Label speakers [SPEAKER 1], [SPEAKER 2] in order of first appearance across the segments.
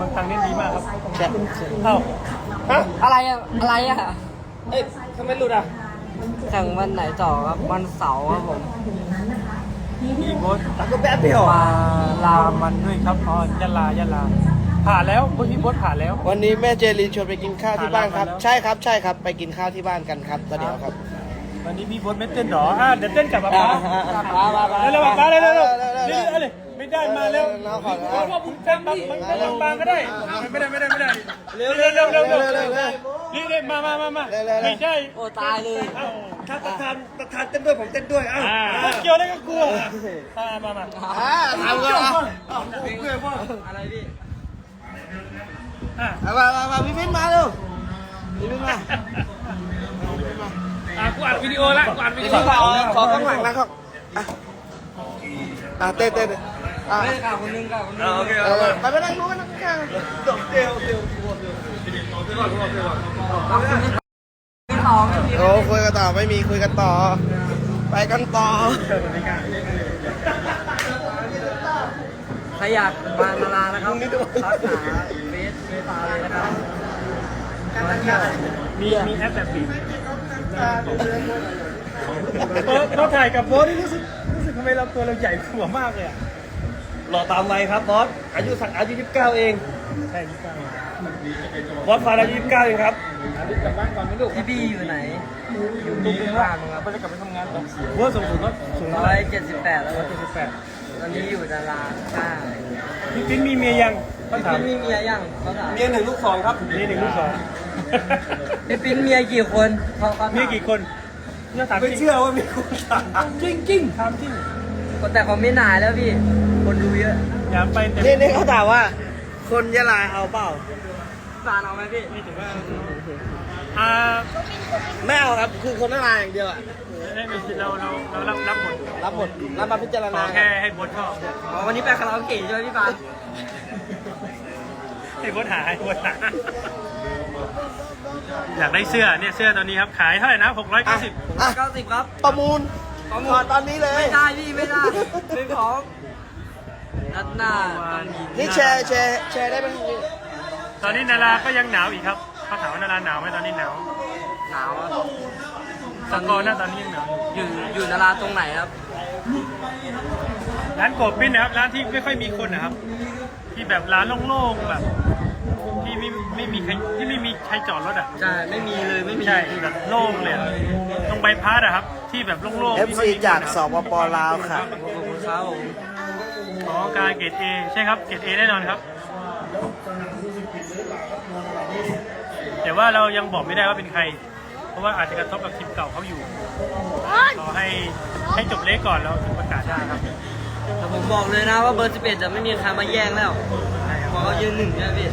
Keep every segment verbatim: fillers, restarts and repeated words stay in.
[SPEAKER 1] บางครั้งเล่นดีมากครับ
[SPEAKER 2] ใช่
[SPEAKER 1] เอ้าฮะ
[SPEAKER 3] อะไรอะอะไรอะ
[SPEAKER 1] เอ้ยทำไมหลุดอ่ะ
[SPEAKER 3] แข่งวันไหนต่อครับวันเสาร์ครับผม
[SPEAKER 1] มีโบสแล้วก็แป๊บเดียวมาลามันด้วยครับอ๋อยะลายะลาผ่านแล้วพวกพี่โบสผ่านแล้ว
[SPEAKER 2] วันนี้แม่เจลีชวนไปกินข้าวที่บ้านครับ
[SPEAKER 1] ผ่านแล้ว
[SPEAKER 2] ใช่ครับใช่ครับไปกินข้าวที่บ้านกันครับตอนเดียวครับ
[SPEAKER 1] วันนี้พี่โบสไม่เต้นหรออ่ะเดี๋ยวเต้นกับป๊าป๊า
[SPEAKER 2] มามามา
[SPEAKER 1] เร็วๆป๊าเร็วๆเร็ว
[SPEAKER 2] เร็ว
[SPEAKER 1] ๆ
[SPEAKER 2] ๆ
[SPEAKER 1] เร็วๆเร็วๆไม่ได้มาแล้ว
[SPEAKER 2] น้องขอ
[SPEAKER 1] เพราะว่าคุณเต้นแบบมันเป็นบางๆก็ได้ไม่ได้ไม่ได้ไม่ได้เร็วๆเร็วๆเร็วๆเร็วๆเร็วๆเร็วๆนี่ๆมามามามาไม่ใช่
[SPEAKER 3] โอ้ตายเลย
[SPEAKER 1] เอ้า
[SPEAKER 2] ถ้าประธานประธานเต้นด้วยผมเต้นด้วยอ้าว
[SPEAKER 1] อ่าเกี่ยวอะไรก็กลัวมามามา
[SPEAKER 2] อ่าทำกันอ่ะ
[SPEAKER 3] อะไรพี่
[SPEAKER 1] อ่ะ
[SPEAKER 2] เอามามามาพี่มิ้นมาเร็วพี่มิ้นมา
[SPEAKER 1] อ่ะกูอัดวิดีโอละกูอัดวิดี
[SPEAKER 2] ข
[SPEAKER 1] โอ
[SPEAKER 2] อขอข้างหลังนะเขาอ่ะอ่ะเต้นเต้นอ่ะ
[SPEAKER 3] ไม่ได้กล่าวคนนึงกล่าวคนนึง
[SPEAKER 1] โอเค
[SPEAKER 2] เออไปไปนั่งนู้นไปนั่งข้างเดี๋ยวเดี๋ยวเดี๋ยว
[SPEAKER 3] พี่น้องพี่
[SPEAKER 2] โอ้คุยกันต่อไม่มีคุยกันต่อ ไปกันต่อ
[SPEAKER 3] ใครอยากมานารานะครับทักหาเฟซเฟซตาเลยนะครับมาเที่ยว
[SPEAKER 1] มีมีแอปแบบปิดเออเราถ่ายกับโบ๊ทนี่รู้สึกรู้สึกทำไมเราตัวเราใหญ่หัวมากเลยอ่ะ
[SPEAKER 4] หล่อตามวัยครับบอสอายุสักอายุยี่สิบเก้าเอง
[SPEAKER 1] ใช่พี่ก้าว
[SPEAKER 4] บอสฟาดอายุยี่สิบเก้าเองครับ
[SPEAKER 3] พี่บี้อยู่ไหนอยู่ตุ้มบ้านมั้งครับ
[SPEAKER 1] ไปกลับไปทำงานต่อโบ๊ทสูงสุดก็สูง
[SPEAKER 3] ร้
[SPEAKER 1] เท่า
[SPEAKER 3] อ
[SPEAKER 1] ไหร่
[SPEAKER 3] ยเจ็ดสิบแปดแล้ว
[SPEAKER 1] ร้อยเจ็ดสิบแปด
[SPEAKER 3] ตอนนี้อยู่นาราใช่
[SPEAKER 1] พี่ปิ๊นมีเมียยังเขาถาม
[SPEAKER 3] พี่มีเมียยังเขาถาม
[SPEAKER 4] เมียหนึ่งลูกสองครับ
[SPEAKER 1] นี่หนึ่งลูกสอง
[SPEAKER 3] พี่ปิ๊นเมียกี่คนเขาเขา
[SPEAKER 1] มี
[SPEAKER 3] ถาม
[SPEAKER 1] กี่คนเนี่ยถามจ
[SPEAKER 4] ไม่
[SPEAKER 1] ริง
[SPEAKER 4] เชื่อว่ามีคนถาม
[SPEAKER 1] จริงจริงถามจริง
[SPEAKER 3] แต่เขาไม่นายแล้วพี่ คนดูเยอะ
[SPEAKER 1] อย่าไปแต่
[SPEAKER 2] นี่นี่เขาถามว่า คนยะลาเอาเปล่า
[SPEAKER 3] ฟานเอาไหมพี่
[SPEAKER 1] ไม่ถือว่าอ่า
[SPEAKER 2] ไม่เอาครับ คือคนยะลาอย่างเดียวอ่ะ
[SPEAKER 1] ได้ไม่เราเราเรารับรับหมด
[SPEAKER 2] รับหมดรับมาพิจาร
[SPEAKER 1] ข
[SPEAKER 2] ณา
[SPEAKER 1] อแค่ให้โบ๊ทชอบ
[SPEAKER 3] อ๋อวันนี้ไปคาราโอเกะใช่ไหมพี่ฟาน
[SPEAKER 1] ให้โบ๊ทหาให้โบ๊ทหาอยากได้เสื้อเนี่ยเสื้อตัวนี้ครับขายเท่าไหร่นะหกร้อยเก้าสิบ
[SPEAKER 2] อ่ะ
[SPEAKER 3] เก้าสิบครับ
[SPEAKER 2] ประมูล
[SPEAKER 3] ประมูล
[SPEAKER 2] ขอตอนนี้เลย
[SPEAKER 3] ไม่ได้พี่ไม่ได้ไม่พร้อมนัดหน้าต้องยิง
[SPEAKER 2] นี่แชร์แชร์แชร์ได้ไหม
[SPEAKER 1] ตอนนี้นาราก็ยังหนาวอีกครับเขาถามว่านาราหนาวไหมตอนนี้หนาว
[SPEAKER 3] หนาวอะ
[SPEAKER 1] สกอร์หน้าตอนนี้ยังหนาวอยู่
[SPEAKER 3] อยู่อยู่นาราตรงไหนครับ
[SPEAKER 1] ร้านโกบปิ้นนะครับร้านที่ไม่ค่อยมีคนนะครับ ที่แบบร้านโล่งๆแบบ ที่ไม่ไม่มีใครที่ไม่มีใครจอดรถอ่ะ
[SPEAKER 3] ใช่ไม่มีเลยไม่มี
[SPEAKER 1] ใช่แบบโล่งเลยอะตรงใบพัดอะครับ ที่แบบโล่งๆ
[SPEAKER 2] เอฟ
[SPEAKER 1] ที่
[SPEAKER 2] ซี
[SPEAKER 1] ไม่มีคน
[SPEAKER 2] จาก
[SPEAKER 1] อะ
[SPEAKER 2] สปปลาวค่ะ
[SPEAKER 3] ขอบคุณครับผม
[SPEAKER 1] อ๋อการเกรดเอใช่ครับเกรดเอแน่นอนครับ แต่ว่าเรายังบอกไม่ได้ว่าเป็นใคร เพราะว่าอาจจะกระทบกับทีมเก่าเขาอยู่รอให้ให้จบเลขก่อนแล้วถึงประกาศได้ครับ
[SPEAKER 3] แต่ผมบอกเลยนะว่าเบอร์สิบเอ็ดจะไม่มีใครมาแย่งแล้ว
[SPEAKER 1] ใช่ครับ
[SPEAKER 3] เพราะเขายืนหนึ่งใช่ไหมพี่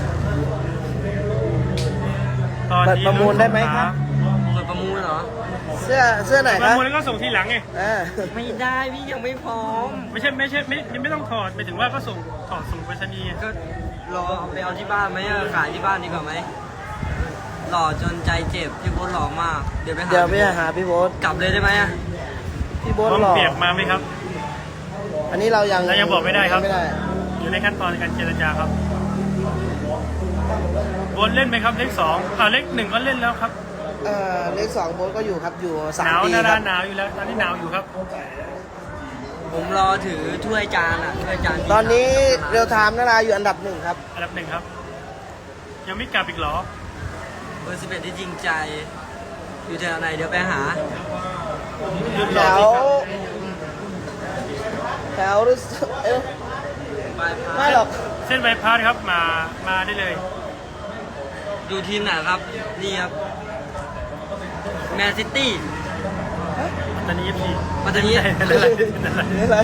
[SPEAKER 1] ตอนนี้
[SPEAKER 2] ประมูลได้ไหมครับ
[SPEAKER 3] เปิดประมูลเหรอ
[SPEAKER 2] เสื้อเสื้อไหน
[SPEAKER 1] ป
[SPEAKER 2] ค
[SPEAKER 1] ระ
[SPEAKER 2] รับ
[SPEAKER 1] มูลแล้วก็ส่งทีหลังไง
[SPEAKER 2] อ่า
[SPEAKER 3] ไม่ได้พี่ยังไม่พร้อม
[SPEAKER 1] ไม่ใช่ไม่ใช่ไม่ยังไม่ต้องถอดหมายถึงว่าก็ส่งถอดส่งไปรษณีย์
[SPEAKER 3] ก็รอเอาไปเอาที่บ้านไหมอะขายที่บ้านดีกว่าไหมหล่อจนใจเจ็บพี่โบ๊ทหล่อมาก เดี๋ยวไปหา
[SPEAKER 2] เดี๋ยวไปหาพี่โบ๊ท
[SPEAKER 3] กลับเลยได้ไหมอะ
[SPEAKER 2] พี่โบ๊ท
[SPEAKER 1] พร้อม
[SPEAKER 2] หล่อ
[SPEAKER 1] เปียกมาไหมครับ
[SPEAKER 2] อันนี้เรายัง
[SPEAKER 1] เรายังบอกไม่ได้ครับ
[SPEAKER 2] ไม่ได้
[SPEAKER 1] อยู่ในขั้นตอนการเจรจาครับบนเล่นไหมครับเลขสองอ่าเลขหนึ่งก็เล่นแล้วครับ
[SPEAKER 2] เอ่อเลขสองโบ๊ทก็อยู่ครับอยู่สา
[SPEAKER 1] ห
[SPEAKER 2] ม
[SPEAKER 1] นาว
[SPEAKER 2] ปี
[SPEAKER 1] นา
[SPEAKER 2] ค
[SPEAKER 1] รา
[SPEAKER 2] รับ
[SPEAKER 1] หนาวอยู่แล้วตอนนี้หนาวอยู่ครับ
[SPEAKER 3] ผมรอถือถ้วยจานอะถ้วยจานที่
[SPEAKER 2] ตอนนี้เรียวไทม์นาราอยู่อันดับหนึ่งครับ
[SPEAKER 1] อันดับหนึ่งครับ ยังไม่กลับอีกเหรอ
[SPEAKER 3] เบอร์สิบเอ็ดที่จริงใจ อยู่แถวไหนเดี๋ยวไปหา
[SPEAKER 1] หยุด
[SPEAKER 2] แถ
[SPEAKER 1] รอ
[SPEAKER 2] ว
[SPEAKER 1] ที่ครับ
[SPEAKER 2] แถวรู้สึกเอ้ย
[SPEAKER 3] ไปพา
[SPEAKER 2] ไม่หรอก
[SPEAKER 1] เส้นใบพัดครับมามาได้เลย
[SPEAKER 3] ดูทีมไหนครับ นี่ครับแมนซิตี้
[SPEAKER 1] ตอนนี้เอฟซี
[SPEAKER 3] ปัตตานี
[SPEAKER 2] นี่อะไร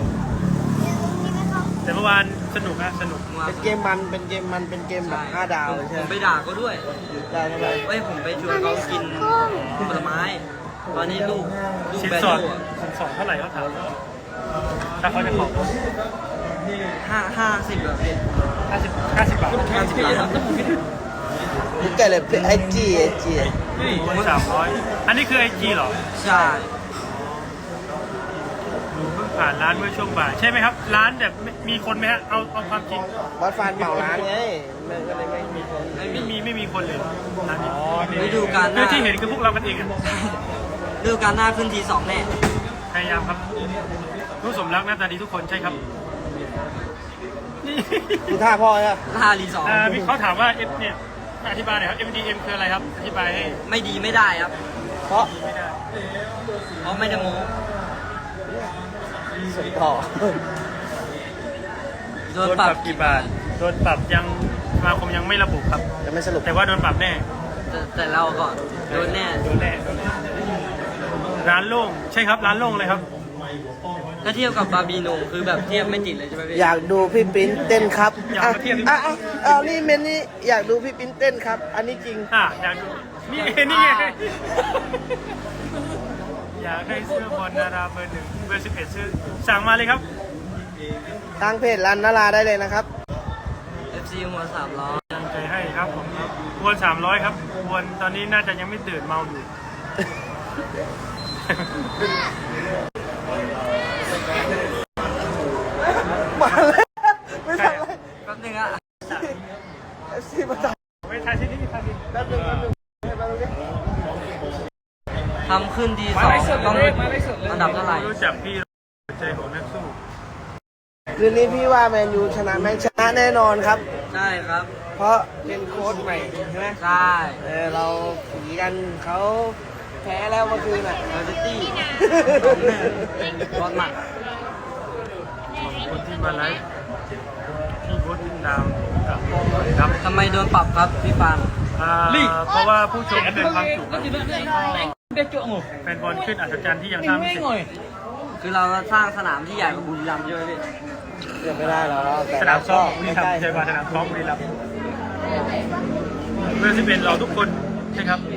[SPEAKER 1] แต่เมื่อวานสนุกนะสนุก
[SPEAKER 2] เป็นเกมมันเป็นเกมมันเป็นเกมแบบห้าดาว
[SPEAKER 3] ผม
[SPEAKER 2] ใช่
[SPEAKER 3] ผม
[SPEAKER 2] ไห
[SPEAKER 3] ไป
[SPEAKER 2] ม
[SPEAKER 3] ด่าเขาด้วย
[SPEAKER 2] ได้ทำไม
[SPEAKER 3] เอ้ยผมไปชวนเขากินผลไม้ ตอนนี้ลูกลูก
[SPEAKER 1] สิน
[SPEAKER 3] แบน
[SPEAKER 1] สอด
[SPEAKER 3] โลอะ
[SPEAKER 1] สินสอดเท่าไหร่เขาถามถ้าเขาจะขอ
[SPEAKER 3] ห้าห้าสิบแบบ
[SPEAKER 1] ห้าสิบห้าสิบบาท
[SPEAKER 3] ห้าสิบบาท
[SPEAKER 2] นี่แกเลยไอจีไอจี
[SPEAKER 1] สามร้อยอันนี้คือไอจีเหรอ
[SPEAKER 3] ใช่
[SPEAKER 1] ผ่านร้านเมื่อช่วงบ่ายใช่ไหมครับ ร้านแบบมีคนไหมฮะเอาเอาความจริง
[SPEAKER 2] บอสฟานเหมาร้านไงมันก็เลยไม่มีคน
[SPEAKER 1] ไม่มีไม่มีคนเลยร้านนี้
[SPEAKER 3] ฤดูกาลห
[SPEAKER 1] คือ
[SPEAKER 3] น้า
[SPEAKER 1] ที่เห็นคือพวกเรากันเองอะ
[SPEAKER 3] ฤดูกาลหน้าขึ้นทีสองแน่
[SPEAKER 1] พยายามครับรู้สมรักหน้าตาดีทุกคนใช่ครับนี่
[SPEAKER 2] ดูท่าพ่อเนี่ย
[SPEAKER 3] หน้ารีสอร์
[SPEAKER 1] อ่า
[SPEAKER 3] ท
[SPEAKER 1] พี่เขาถามว่าเอฟเนี่ยอธิบายหน่อยครับ เอ็ม ดี เอ็ม คืออะไรครับอธิบายให้
[SPEAKER 3] ไม่ดีไม่ได้ครับ
[SPEAKER 2] เพราะ
[SPEAKER 1] ไม่ได้
[SPEAKER 3] เพราะไม่ได้โม้
[SPEAKER 2] สวยต่อ
[SPEAKER 3] โดนปรับ
[SPEAKER 1] กี่บาทโดนปรับยังสมาคมยังไม่ระบุครับ
[SPEAKER 2] จะไม่สรุป
[SPEAKER 1] แต่ว่าโดนปรับแน่
[SPEAKER 3] แต่แต่เราก่อนโดนแน่
[SPEAKER 1] โดนแน่ร้านโล่งใช่ครับร้านโล่งเลยครับ
[SPEAKER 3] ถ้าเทียบกับบาร์บีโนคือแบบเทียบไม่ติดเลยใช่ไหมพี่
[SPEAKER 2] อยากดูพี่ปิ้นเต้นครับ
[SPEAKER 1] อยาก
[SPEAKER 2] อ่ะ
[SPEAKER 1] มาเทียบดิ
[SPEAKER 2] อ่ะอ่ะอ่ะนี่เมนนี่อยากดูพี่ปิ้นเต้นครับ อันนี้จริง
[SPEAKER 1] อ่ะอยากดูนี่นี่ไงอยากได้เสื้อบอลนาราเบอร์หนึ่งเบอร์สิบเอ็ดซื้อสั่งมาเลยครับ
[SPEAKER 2] ทางเพจรันนาราได้เลยนะครับ
[SPEAKER 3] เอฟซีหัวสามล้อ
[SPEAKER 1] ตั้งใจให้ครับผมวนสามร้อยครับวนตอนนี้น่าจะยังไม่ตื่นเมาอยู่
[SPEAKER 2] มาเลยไม่ทันเลย
[SPEAKER 3] แป๊บนึงอะ
[SPEAKER 2] เอฟซีมาตัด
[SPEAKER 1] ไม่ทายที่นี่ทายที่
[SPEAKER 2] แป๊บนึงแป๊บนึงให้แป๊บนึงดิ
[SPEAKER 3] ทำขึ้นทีสองต้องอันดับเท่าไหร่
[SPEAKER 1] รู้จักพี่ใจของนักสู้
[SPEAKER 2] คืนนี้พี่ว่าแมนยูชนะแมนชนะแน่นอนครับ
[SPEAKER 3] ใช่ครับ
[SPEAKER 2] เพราะเป็นโค้ชใหม่ใช่ไหม
[SPEAKER 3] ใช่
[SPEAKER 2] เออเราผีกันเขาแพ้แล้วเมื่อคืนอ่ะ
[SPEAKER 3] เบอร์ซิตี้บอลหมัด
[SPEAKER 1] คนที่มาไลฟ์พี่โบ๊ทดินดาวกับครับ
[SPEAKER 3] ทำไมโดนปรับครับพี่ปาน
[SPEAKER 1] อ่าเพราะว่าผู้ชมเกินความจุครับแฟนบอลขึ้นอัศจรรย์ที่ยังสร้างไม่เสร็จ
[SPEAKER 3] คือเราสร้างสนามที่ใหญ่กว่าบุรีรัมย์ใช่ไหมพี่
[SPEAKER 2] เกือบไม่ได้หรอกแต่
[SPEAKER 1] สนามซ้อมบุรี
[SPEAKER 2] ใก
[SPEAKER 1] รัม
[SPEAKER 2] ล้
[SPEAKER 1] ย์ใช่ป่ะสนามซ้อมบุรีรัมย์เบอร์สิบเอ็ดเราทุกคนใช่ครับ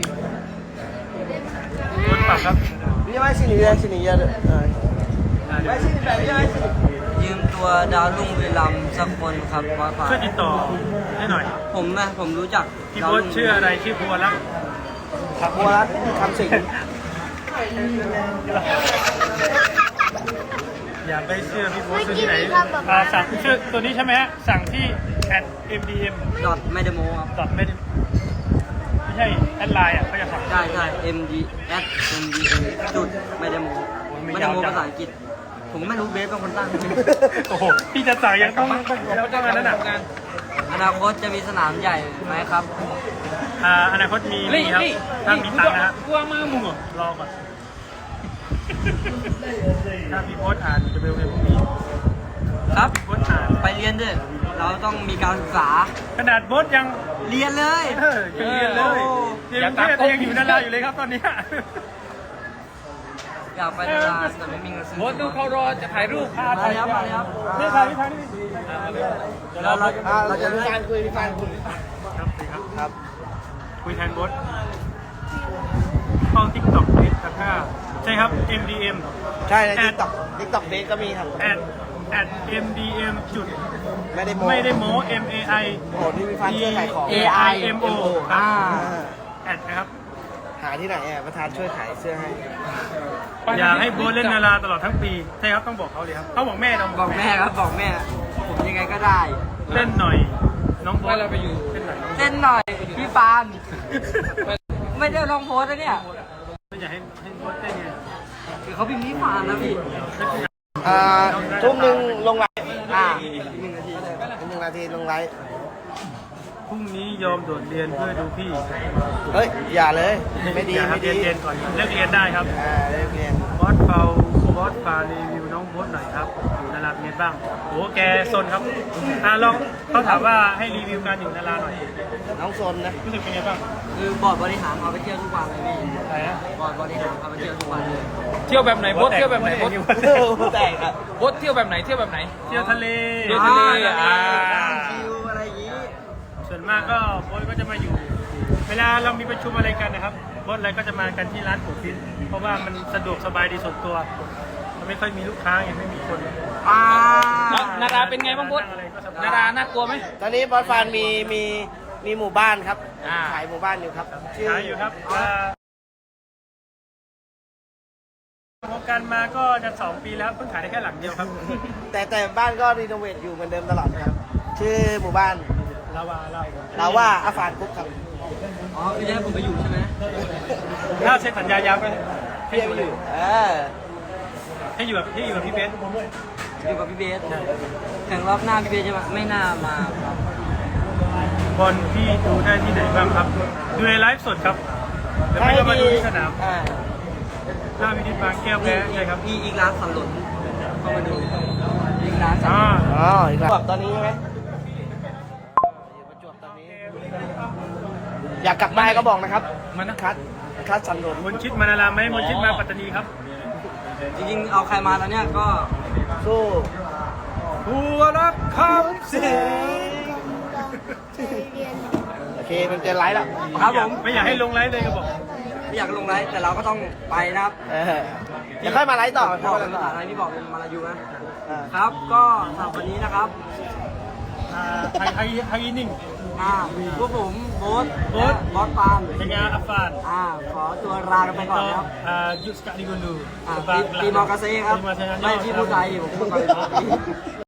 [SPEAKER 1] โดนปรับครับ
[SPEAKER 2] ๆพี่ไม่สิหนีเลยสิหนีเยอะเลยเออ
[SPEAKER 1] อ่าเดี๋ยว
[SPEAKER 2] ไม่สิหนีแบบนี้ไม่สิหนี
[SPEAKER 3] ยืมตัวดาวรุ่งบุรีรัมย์สักคนครับบอสปาน
[SPEAKER 1] ช่วยติดต่อให้หน่อย
[SPEAKER 3] ผมนะผมรู้จัก
[SPEAKER 1] พี่
[SPEAKER 3] ดาว
[SPEAKER 1] โบ๊ท
[SPEAKER 3] รุ่ง
[SPEAKER 1] ชื่ออะไรชื่อบัวรัก
[SPEAKER 2] ครับบัวรัตน์คำสิงห์
[SPEAKER 1] อยากได้เสื้อพี่โบ๊ทซื้อที่ไหนอ่าสั่งเสื้อตัวนี้ใช่ไหมฮะสั่งที่ at เอ็ม ดี เอ็ม
[SPEAKER 3] ดอทไม่ได้โม้ครับ
[SPEAKER 1] ดอทไม่ได้ไม่ใช่แอดไลน์อ่ะเขาจะสั่ง
[SPEAKER 3] ใช่ใช่ M D at M D M จุดไม่ได้โม้ไม่ได้โม้ภาษาอังกฤษ ผมก็ไม่รู้เบสเป็นคนตั้ง
[SPEAKER 1] โอ้โหพี่จะสั่งยังต้องต้องต้องอันนั้นอ่ะ
[SPEAKER 3] อนาคตจะมีสนามใหญ่ไหมครับ
[SPEAKER 1] อ่าอนาคตมีมีครับถ้ามีตังค์นะฮะกลัวมากมึงรอก่อนถ้าพี่โพสอ่านจะเร็วๆพรุ่งนี้
[SPEAKER 3] ครับ
[SPEAKER 1] พี่โพสอ่าน
[SPEAKER 3] ไปเรียนด้วยเราต้องมีการศึกษา
[SPEAKER 1] ขนาดโพสยัง
[SPEAKER 3] เรียนเลย
[SPEAKER 1] เออยังเรียนเลยเรียนกรุงเทพยังอยู่นาราอยู่เลยครับตอนเนี้ย
[SPEAKER 3] อยากไปนานแต่ไม่มีเงินซื้อ
[SPEAKER 4] โบสดูเขารอจะถ่ายรูป
[SPEAKER 3] มาเลยครับมาเลยครับ
[SPEAKER 1] นี่ถ่ายนี่ถ่ายนี่
[SPEAKER 3] เราเรา
[SPEAKER 2] อ่า
[SPEAKER 3] เรา
[SPEAKER 2] เรา
[SPEAKER 3] จะ
[SPEAKER 2] จะมี
[SPEAKER 3] ให้
[SPEAKER 2] การคุยมีการคุย
[SPEAKER 1] ครับสิครับ
[SPEAKER 2] ครับ
[SPEAKER 1] คุยแทนโพสเข้าทิกต็อกเฟซครับใช่ครับ เอ็ม ดี เอ็ม
[SPEAKER 2] ใช่ในทิกตอกทิกตอกเบสก็มีครับ
[SPEAKER 1] at at เอ็ม ดี เอ็ม จุด
[SPEAKER 2] ไม่ได้โม
[SPEAKER 1] ไม่ได้โม้ M A I
[SPEAKER 2] โอ้โหที่มีฟันช่วยขายของ
[SPEAKER 1] A I M O ครับ
[SPEAKER 3] อ่า
[SPEAKER 1] แอดนะครับ
[SPEAKER 2] หาที่ไหนอ่ะประธานช่วยขายเสื้อให้
[SPEAKER 1] อยากให้โบ๊ทเล่นนาราตลอดทั้งปี ใช่ครับต้องบอกเขาเลยครับเขาบอกแม่ต้อง
[SPEAKER 3] บอกแม่ครับบอกแม่ ผมยังไงก็ได้
[SPEAKER 1] เล่นหน่อย น้องโบ๊ท
[SPEAKER 4] เราไปอยู่
[SPEAKER 1] เล่นหน่อย
[SPEAKER 3] เล่นหน่อยพี่ปานไม่ได้ลองโพสต์นะเนี่ย
[SPEAKER 1] ไม่อยากให้ให้โบ๊ทเล่นไง
[SPEAKER 3] คือเขาพิมพ์พี่ปานนะพี่
[SPEAKER 2] อ่าทุ่มหนึ่งลงไลฟ์
[SPEAKER 3] อ่า
[SPEAKER 2] หนึ่งนาทีหนึ่งนาทีลงไลฟ์
[SPEAKER 1] พรุ่งนี้ยอมโดดเรียนเพื่อดูพี่
[SPEAKER 2] เฮ้ย อย่าเลย ไม่ดี
[SPEAKER 1] อยากให้
[SPEAKER 2] ไม่
[SPEAKER 1] เรี
[SPEAKER 2] ดี
[SPEAKER 1] ยนเรียนก่อนเลิกเรียนได้ครับ
[SPEAKER 2] อ่าเลิกเรียน
[SPEAKER 1] บอสเปาบอสฟารีวิวน้องโบ๊ทหน่อยครับอยู่นาราเป็นไงบ้างโอ้แกซนครับอ่าลองเขาถามว่าให้รีวิวการอยู่นาราหน่อย
[SPEAKER 2] น้องโซนนะ
[SPEAKER 1] รู้สึกเป็นไงบ้าง
[SPEAKER 3] คือบอร์ดบริหารพาไปเที่ยวทุกวันเลยพี่
[SPEAKER 1] อะไรนะ
[SPEAKER 3] บอร์ดบริหารพาไปเที่ยวทุกวันเลย
[SPEAKER 4] เที่ยวแบบไหนโบสเที่ยวแบบไหนโบส
[SPEAKER 2] แตกอ่ะ
[SPEAKER 4] โบสเที่ยวแบบไหนเที่ยวแบบไหน
[SPEAKER 1] เที่ยวทะเล
[SPEAKER 4] เที่ยวทะเลอ่า
[SPEAKER 3] ชิวอะไรอย่างงี้
[SPEAKER 1] ส่วนมากก็โบ๊ทก็จะมาอยู่ เวลาเรามีประชุมอะไรกันนะครับโบ๊ทอะไรก็จะมากันที่ร้านปูฟินเพราะว่ามันสะดวกสบายดีส่วนตัวมันไม่ค่อยมีลูกค้าไงไม่มีคน
[SPEAKER 3] อ่า
[SPEAKER 4] แล้วนาราเป็นไงบ้างโบส
[SPEAKER 1] อะไรก็สบาย
[SPEAKER 4] นาราน่ากลัวไหม
[SPEAKER 2] ตอนนี้บอสฟานมีมีมีหมู่บ้านครับ
[SPEAKER 4] อ่า
[SPEAKER 2] ขายหมู่บ้านอยู่ครับชื่
[SPEAKER 1] ขายอยู่ครับอ่าวงการมาก็จะสองปีแล้วเพิ่งขายได้แค่หลังเดียวครับ
[SPEAKER 2] แต่แต่บ้านก็รีโนเวทอยู่เหมือนเดิมตลอดนะครับ ชื่อหมู่บ้าน
[SPEAKER 1] ลาวาลาว
[SPEAKER 2] ลาว่าอาฟานกุ๊กครับ
[SPEAKER 3] อ๋อคือจะให้ผมไปอยู่ใช่ไหม
[SPEAKER 1] ถ้าเซ็นสัญญายาวไปให้
[SPEAKER 2] พี่
[SPEAKER 1] อยู่
[SPEAKER 2] อยู่เออ
[SPEAKER 1] ให้อยู่กับให้อยู่กับพี่เบส
[SPEAKER 3] อยู่กับพี่เบสแข่งรอบหน้าพี่เบสจะมาไม่น่ามาครับ
[SPEAKER 1] บอลที่ดูได้ที่ไหนบ้างครับ ดูในไลฟ์สดครับเดี๋ยวไม่ก็มาดูที่สนาม
[SPEAKER 2] อ่า
[SPEAKER 1] หน้าพิธีบางแก้วแพ้ใช่ครับ
[SPEAKER 3] มีอีกร้านสันหลนเข้ามาดูอีกร้านสัน
[SPEAKER 1] อ่า
[SPEAKER 3] หลน
[SPEAKER 2] อ๋ออีกแล้วตอนนี้ใช่ไหมประจวบตอนนี้ อยากกลับบ้านก็บอกนะครับ
[SPEAKER 1] มันนะ
[SPEAKER 2] คัดคัดสันโดษ
[SPEAKER 1] มนชิดมานารามไหมมนชิดมาปัตตานีครับ
[SPEAKER 3] จริงๆเอาใครมาตอนเนี้ยก็
[SPEAKER 2] สู้
[SPEAKER 1] หัวรักคำเสียง
[SPEAKER 2] โอเคมันเจอไลฟ์แล้ว
[SPEAKER 3] ครับผม
[SPEAKER 1] ไม่อยากให้ลงไลฟ์เลยก็บอก
[SPEAKER 3] ไม่อยากลงไลฟ์แต่เราก็ต้องไปนะครับ
[SPEAKER 2] เออเดี๋ยวค่อยมาไลฟ์ต่อ
[SPEAKER 3] บอก
[SPEAKER 2] ค่อย
[SPEAKER 3] เป็น
[SPEAKER 2] มา
[SPEAKER 3] ภา
[SPEAKER 2] ไลฟ์ต่อ
[SPEAKER 3] ษาไทยพี่บอกเป็นมาลายูนะ
[SPEAKER 2] อ่า
[SPEAKER 3] ครับ ก็สำหรับวันนี้นะครับ
[SPEAKER 1] อ่าไฮไฮไฮนิ่ง
[SPEAKER 3] อ่าพวกผมโบ๊ท
[SPEAKER 1] โบ๊ท
[SPEAKER 3] และบอสปาล์ม
[SPEAKER 1] เป็นไงอัฟฟาน
[SPEAKER 3] อ่าขอตัวลากันไปก่อนนะครับ
[SPEAKER 1] อ่ายุสกาดิกุนดู
[SPEAKER 3] อ่าปีปีมอกาเซ่ครับ ไม่ที่พูดไทยผมพูดก่อน